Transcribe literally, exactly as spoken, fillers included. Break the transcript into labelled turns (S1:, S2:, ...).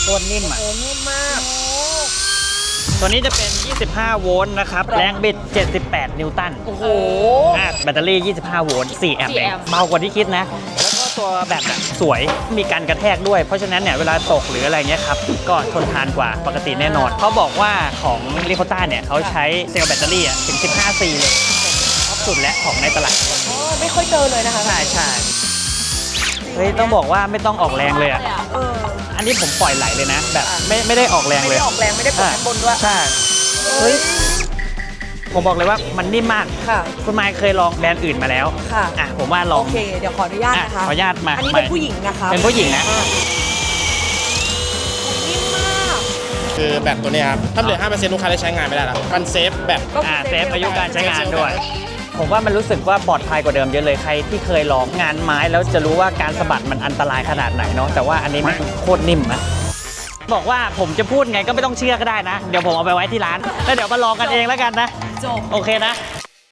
S1: โคตรนิ่มอ่ะ
S2: โอ้นิ่มมาก
S1: ตัวนี้จะเป็น ยี่สิบห้า โวลต์นะครับ แรงบิด เจ็ดสิบแปด นิวตัน
S2: โอ้โห
S1: อ่ะแบตเตอรี่ ยี่สิบห้า โวลต์ สี่ แอมป์
S2: สี่
S1: เอง
S2: แอมป์
S1: เบากว่าที่คิดนะ แล้วก็ตัวแบตอะสวย มีการกระแทกด้วย เพราะฉะนั้นเนี่ยเวลาตกหรืออะไรเงี้ยครับ ก็ทนทานกว่าปกติแน่นอน เขาบอกว่าของลิโคต้าเนี่ยเขาใช้เซลล์แบตเตอรี่อะถึง สิบห้า ซี เลยท็อปสุดและของในตลาด
S2: อ๋อไม่ค่อยเจอเลยนะคะ
S1: ใช่ใช่เฮ้ยต้องบอกว่าไม่ต้องออกแรงเลยอ่ะ
S2: เออ
S1: อันนี้ผมปล่อยไหลเลยนะ แบบไม่ไม่ได้ออกแรง
S2: ไม่
S1: เลย
S2: ได้ออกแรงไม่ได้ปวดบนด้วย
S1: ใช่ เฮ้ย ผมบอกเลยว่ามันนิ่มมาก
S2: ค่ะ
S1: คุณไมค์เคยลองแบรนด์อื่นมาแล้ว
S2: ค่ะ
S1: อ่ะผมว่าลอ
S2: โอง เค เดี๋ยวขออนุญาตนะคะ
S1: อ่ะขออนุญาตมา
S2: อันนี้เป็นผู้หญิงนะคะ
S1: เป็นผู้หญิงนะ
S2: อ่นิ่มมาก
S3: คือแบตตัวเนี้ยครับ ถ้าเหลือ ห้าเปอร์เซ็นต์ ลูกค้าได้ใช้งานไม่ได้แล้วมันเซฟแบต
S2: ก็
S1: อ่า
S2: คือ
S1: เซฟอายุการใช้งานด้วย
S3: เซฟ
S1: ผมว่ามันรู้สึกว่าปลอดภัยกว่าเดิมเยอะเลยใครที่เคยลองงานไม้แล้วจะรู้ว่าการสะบัดมันอันตรายขนาดไหนเนาะแต่ว่าอันนี้มันโคตรนิ่มนะบอกว่าผมจะพูดไงก็ไม่ต้องเชื่อก็ได้นะ เดี๋ยวผมเอาไปไว้ที่ร้านแล้วเดี๋ยวมาลองกันเองแล้วกันนะ
S2: จบ
S1: โอเคนะ